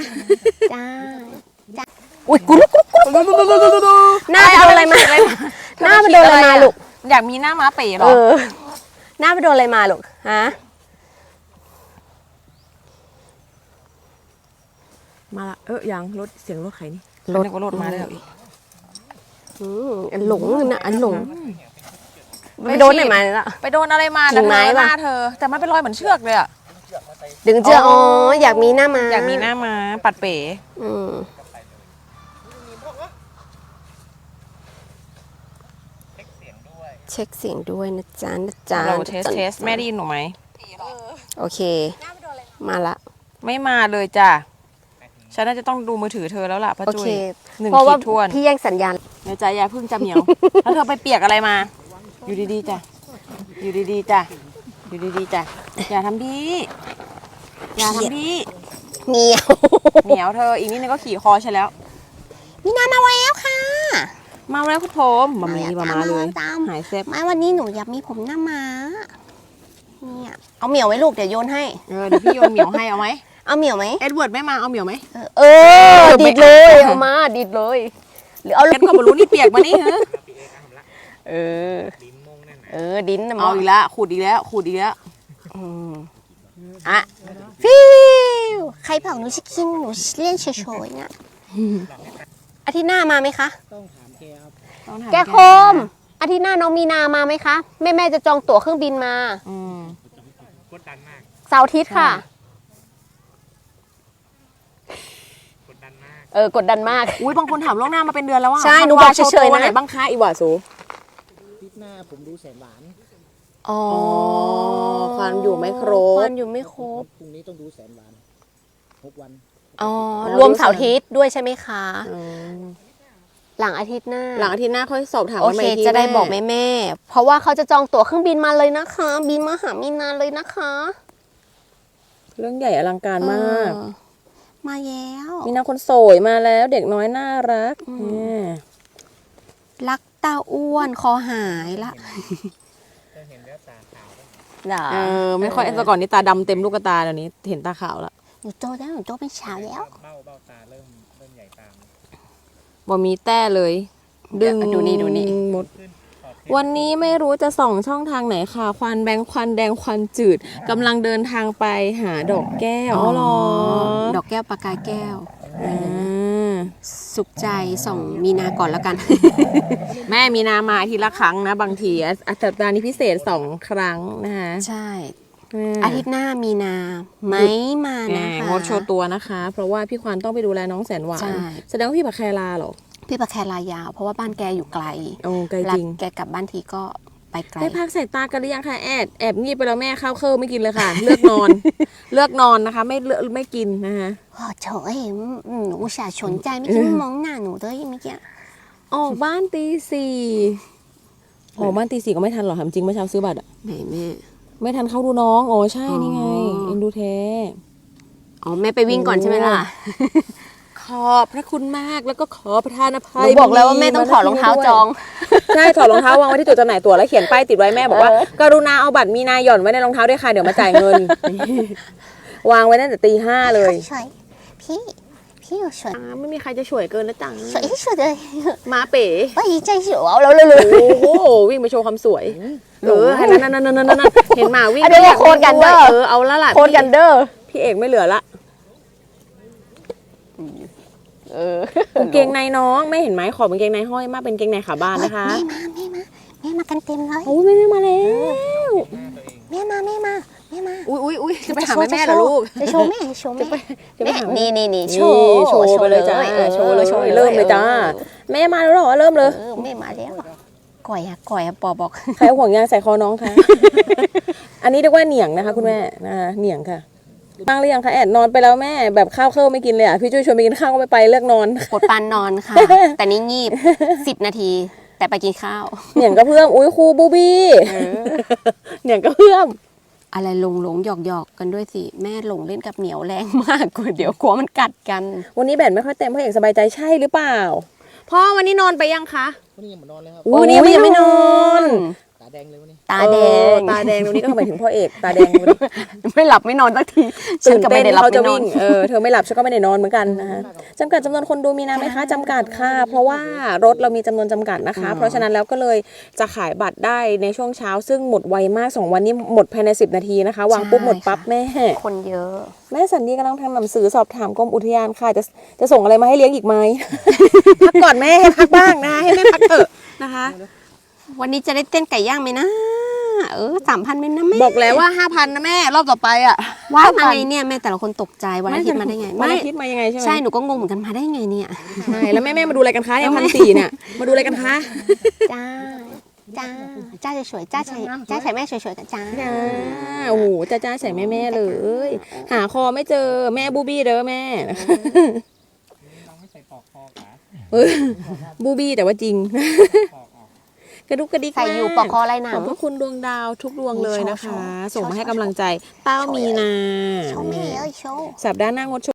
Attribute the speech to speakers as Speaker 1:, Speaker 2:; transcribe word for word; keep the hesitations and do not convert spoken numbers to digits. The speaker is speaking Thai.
Speaker 1: จ้าจ้าอุ้ยกุลุกกุลุกกุลุกหน้าไปโดนอะไรมาหน้าไปโดนอะไรมาลูก
Speaker 2: อยากมีหน้าม้าเป๋หรอ
Speaker 1: หน้าไปโดนอะไรมาลูกฮะ
Speaker 3: มาละเออยังรถเสียงรถใครนี่
Speaker 2: รถก็รถมาแล้วอีก
Speaker 1: อืมอันหลงนะอันหลงไปโดนไหนมาแล้ว
Speaker 2: ไปโดนอะไรมากิ่งไม้หน้าเธอแต่มันเป็นรอยเหมือนเชือกเลยอะ
Speaker 1: ดึงเชือกอ๋ออยากมีหน้ามา
Speaker 2: อยากมีหน้ามาปัดเป๋
Speaker 1: อืมเช็คเสียงด้วยนะจ๊ะนะจ๊ะ
Speaker 2: เราเทสเทสแม่ได้ยินหนูไหม
Speaker 1: โอเคมาละ
Speaker 2: ไม่มาเลยจ้ะฉันน่าจะต้องดูมือถือเธอแล้วล่ะป้าจุ้ยหนึ่งขีดทวน
Speaker 1: พี่แย่งสัญญาณ
Speaker 2: เดี๋ยวใจยาพึ่งจะเหมียวแล้วเธอไปเปียกอะไรมาอยู่ดีๆจ้ะอยู่ดีๆจ้ะอยู่ดีๆจ้ะอย่าทำพี่อย่าทำพี่
Speaker 1: เหนียว
Speaker 2: เหนียวเธออีกนิดนึงก็ขี่คอใช่แล้ว
Speaker 1: มีนามาแล้วค่ะ
Speaker 2: มาแล้วคุณผมมามีมามาเลยหายเซฟ
Speaker 1: ไม่วันนี้หนูอยากมีผมหน้าม้าเนี่ยเอาเหมียวไว้ลูกเดี๋ยวโยนให้
Speaker 2: เออเดี๋ยวพี่โยนเหมียวให้เอาไหม
Speaker 1: เอาเหมียวไหม
Speaker 2: เอ็ดเวิร์ดไม่มาเอาเหมียวไหม
Speaker 1: เออดิดเลยเอามาดิดเลยหรือเอา
Speaker 2: เอ็ดก็บรู้นี่เปียกมานี่ฮะ
Speaker 1: เออเออดิ้น
Speaker 2: เอาอีกแล้วขูดอีกแล้วขูดอีกแล้ว
Speaker 1: อ่ะฟิวใครบอกหนูชิคินหนูเล่นเฉยๆเนี่ยอาทิตย์หน้ามาไหมคะต้องถามแกครับแกโคมอาทิตย์หน้าน้องมีนามาไหมคะแม่แม่จะจองตั๋วเครื่องบินมา
Speaker 4: กดดันมาก
Speaker 1: เสาร์อาทิตย์ค่ะ
Speaker 4: กดดันมาก
Speaker 1: เออกดดันมาก
Speaker 2: อุ้ยบางคนถามล่วงหน้ามาเป็นเดือนแล้วว่า
Speaker 1: ใช่หนูบอกเฉยๆนะ
Speaker 2: ไหนบ้างคะอีหว่าสู
Speaker 4: อาทิตย์หน้าผมดูแสนหวาน
Speaker 1: อ๋อ
Speaker 2: ความอยู่ไม่ครบ
Speaker 1: ความอยู่ไม่ครบ
Speaker 4: พรุ่งนี้ต้องดูแสนหวานหกวัน
Speaker 1: อ๋อรวมเสาร์อาทิตย์ด้วยใช่ไหมคะหลังอาทิตย์หน้า
Speaker 2: หลังอาทิตย์หน้าค่อยสอบถาม
Speaker 1: โอเคจะได้บอกแม่แม่เพราะว่าเขาจะจองตั๋วเครื่องบินมาเลยนะคะบินมาหามีนาเลยนะคะ
Speaker 2: เรื่องใหญ่อลังการมาก
Speaker 1: มาแล้ว
Speaker 2: มีนาคนสวยมาแล้วเด็กน้อยน่ารัก
Speaker 1: รักตาอ้วนคอหายละ
Speaker 4: จะเห็นแล้วตาขาว
Speaker 2: เออไม่ค่อยแต่ก่อนนี้ตาดำเต็มลูกตาเดี๋ยวนี้เห็นตาขาวแล้ว
Speaker 1: หนูโตแล้วหนูโตเป็นสาวแล้ว
Speaker 4: เบ้าเบ้าตาเริ่มเริ่มใหญ่ตาม
Speaker 2: บ่มีแต้เลย
Speaker 1: ดึงดูนี่ดูนี่
Speaker 2: หมดวันนี้ไม่รู้จะส่องช่องทางไหนค่ะควันแบงควันแดงควันจืดกำลังเดินทางไปหาดอกแก้วอ๋อหรอ
Speaker 1: ดอกแก้วปากกาแก้วสุขใจส่งมีนาก่อนแล้วกัน
Speaker 2: แม่มีนามาทีละครั้งนะบางทีสัปดาห์นี้พิเศษสองครั้งนะคะ
Speaker 1: ใช่อาทิตย์หน้ามีนาไม่มานะคะ
Speaker 2: งดโชว์ตัวนะคะเพราะว่าพี่ควันต้องไปดูแลน้องแสนหวานแสดงว่าพี่ปะแคลาหรอ
Speaker 1: พี่ปะแคลายาวเพราะว่าบ้านแกอยู่ไกล
Speaker 2: โอ้ไกลจริง
Speaker 1: แกกลับบ้านทีก็ไปไกล
Speaker 2: ได้พักสายตากันหรือยังคะแอบแอบงีบไปแล้วแม่ข้าวเคิลไม่กินเลยค่ะเลือกนอนเลือกนอนนะคะไม่เลือกไม่กินนะคะ
Speaker 1: โอ้โถเอ็มหนูอุตส่าห์สนใจไม่คิดมองหน้าหนูเลยเมื่อกี้
Speaker 2: ออกบ้านตีสี่ออกบ้านตีสี่ก็ไม่ทันหรอกถามจริงเมื่อเช้าซื้อบัตรอ่ะ
Speaker 1: แม่แม่
Speaker 2: ไม่ทันเข้าดูน้องโอ้ใช่นี่ไงเอ็นดูแท้
Speaker 1: อ๋อแม่ไปวิ่งก่อนใช่ไหมล่ะ
Speaker 2: ขอบพระคุณมากแล้วก็ขอประทานอภัย
Speaker 1: บอกแล้วว่าแม่ต้องถอดรองเท้าจอง
Speaker 2: ใช่ถอดรองเท้าวางไว้ที่จุดจำหน่ายตั๋วแล้วเขียนป้ายติดไว้แม่บอกว่ากรุณาเอาบัตรมีนาหย่อนไว้ในรองเท้าด้วยค่ะเดี๋ยวมาจ่ายเงินวางไว้ตั้งแต่ตีห้าเลย
Speaker 1: พี่พี่อยู่สวย
Speaker 2: ไม่มีใครจะช่วยเกินแล้วจัง
Speaker 1: สวยที่สุดเลย
Speaker 2: มาเป๋
Speaker 1: ไปใจสวยเอาแล้วเลย
Speaker 2: โอ้โหวิ่งไปโชว์ความสวยเออนั่นนั่นนั่นนั่นเห็นหมาวิ่ง
Speaker 1: เดี๋ยวโคตรกันเด้อ
Speaker 2: เออเอาละล่ะ
Speaker 1: โคตรกันเด้อ
Speaker 2: พี่เอกไม่เหลือละ
Speaker 1: เออ
Speaker 2: างเกงในน้องไม่เห็นไหมขอบกางเกงในห้อยมากเป็นเกงในขาบ้านนะคะ
Speaker 1: แม่มาแม่มาแม่มากันเต็มเลย
Speaker 2: โอ้ยแม่มาแล้ว
Speaker 1: แม่มาแม่มาแม่มา
Speaker 2: อุ้ยอุ้ยอุ้ยจะไปหาแม่เหรอลูก
Speaker 1: จะโชว์แม่โชว์แม่
Speaker 2: จะไปหา
Speaker 1: นี่นี่นี่โช
Speaker 2: ว์โชว์ไปเลยจ้าโชว์เลยโชว์เริ่มเลยจ้าแม่มาแล้วหรอเริ่มเลย
Speaker 1: แม่มาแล้วก่อยอะก่อยอะปอบอก
Speaker 2: ใครห่วงยางใส่คอน้องคะอันนี้เรียกว่าเหนียงนะคะคุณแม่นะคะเหนียงค่ะบ้างหรือยังคะแอดนอนไปแล้วแม่แบบข้าวเคิลไม่กินเลยอ่ะพี่จุ้ยชวนไปกินข้าวก็ไม่ไปเลือกนอน
Speaker 1: กดปานนอนค่ะแต่นี่งีบสิบนาทีแต่ไปกินข้าว
Speaker 2: เหนียงก็เพื่อมอุ้ยครูบูบี้เหนียงก็เพื่อม
Speaker 1: อะไรหลงหลงหยอกหยอกกันด้วยสิแม่หลงเล่นกับเหนียวแรงมากกว่าเดี๋ยวกลัวมันกัดกัน
Speaker 2: วันนี้แบตไม่ค่อยเต็มพ่อเอกสบายใจใช่หรือเปล่าพ่อวันนี้นอนไปยังคะ
Speaker 4: วันนี้ยังไม่นอนเลยครับ
Speaker 2: วันนี้ยังไม่นอน
Speaker 4: ตาแดงเลยวันนี้
Speaker 1: ตาแด
Speaker 2: เออง ตาแดงตรงนี้ก็หมายถึงพ่อเอกตาแดงวันนี้
Speaker 1: ไม่หลับไม่นอนสักทีฉั
Speaker 2: ตื่
Speaker 1: น
Speaker 2: น
Speaker 1: ก็
Speaker 2: เต้
Speaker 1: ไม่
Speaker 2: น
Speaker 1: ได้หลับ
Speaker 2: เขาจะ
Speaker 1: ไม่นอ
Speaker 2: วิ่
Speaker 1: น
Speaker 2: งเออเธอไม่หลับฉันก็ไม่ได้นอนเหมือนกันนะคะจำกัดจำนวนคนดูมีนะไหมคะจำกัดค่ะ เพราะว่ารถเรามีจำนวนจำกัดนะคะ เพราะฉะนั้นแล้วก็เลยจะขายบัตรได้ในช่วงเช้าซึ่งหมดไวมากสองวันนี้หมดภายในสิบนาทีนะคะวางปุ๊บหมดปั๊บแม่
Speaker 1: คนเยอะ
Speaker 2: แม่สันดีกำลังทำหนังสือสอบถามกรมอุทยานค่ะจะจะส่งอะไรมาให้เลี้ยงอีกไหม พักก่อนแม่ให้พักบ้างนะให้แม่พักเถอะนะคะ
Speaker 1: วันนี้จะได้เต้นไก่ย่างไหมนะ เออสามพันเป็นนะแม่
Speaker 2: บอกแล้วว่าห้าพันนะแม่รอบต่อไปอ่ะ
Speaker 1: ว่าอะไรเนี่ยแม่แต่ละคนตกใจวันอาทิตย์มาได้ไง
Speaker 2: วันอาทิตย์มายังไงใช่ไหม
Speaker 1: ใช่หนูก็งงเหมือนกันมาได้ไงเนี่ย
Speaker 2: ใช่แล้วแม่แม่มาดูอะไรกันคะเนี่ยพันสี่เนี่ยมาดูอะไรกันคะ
Speaker 1: จ้าจ้าจ้าสวยๆจ้าใส่จ้าใส่แม่สวยๆกันจ้า
Speaker 2: จ้าโอ้โหจ้าจ้าใส่แม่แม่เลย หาคอไม่เจอแม่บูบี้เด้อแม่
Speaker 4: น้องไม่ใส่ปลอกคอขา
Speaker 2: เออบูบี้แต่ว่าจริง
Speaker 4: ปลอกออก
Speaker 2: กระดุกกระดิก
Speaker 1: ใส่อยู่
Speaker 2: มาก
Speaker 1: ปอกคออะไรหนั
Speaker 2: ของ บพระคุณดวงดาวทุกดวงเลยนะคะ
Speaker 1: โชว์โชว์
Speaker 2: ส่งมาให้กำลังใจเต้ามีนา
Speaker 1: โชว์แม่เอ้ยโชว์
Speaker 2: สัปดาห์หน้างดชม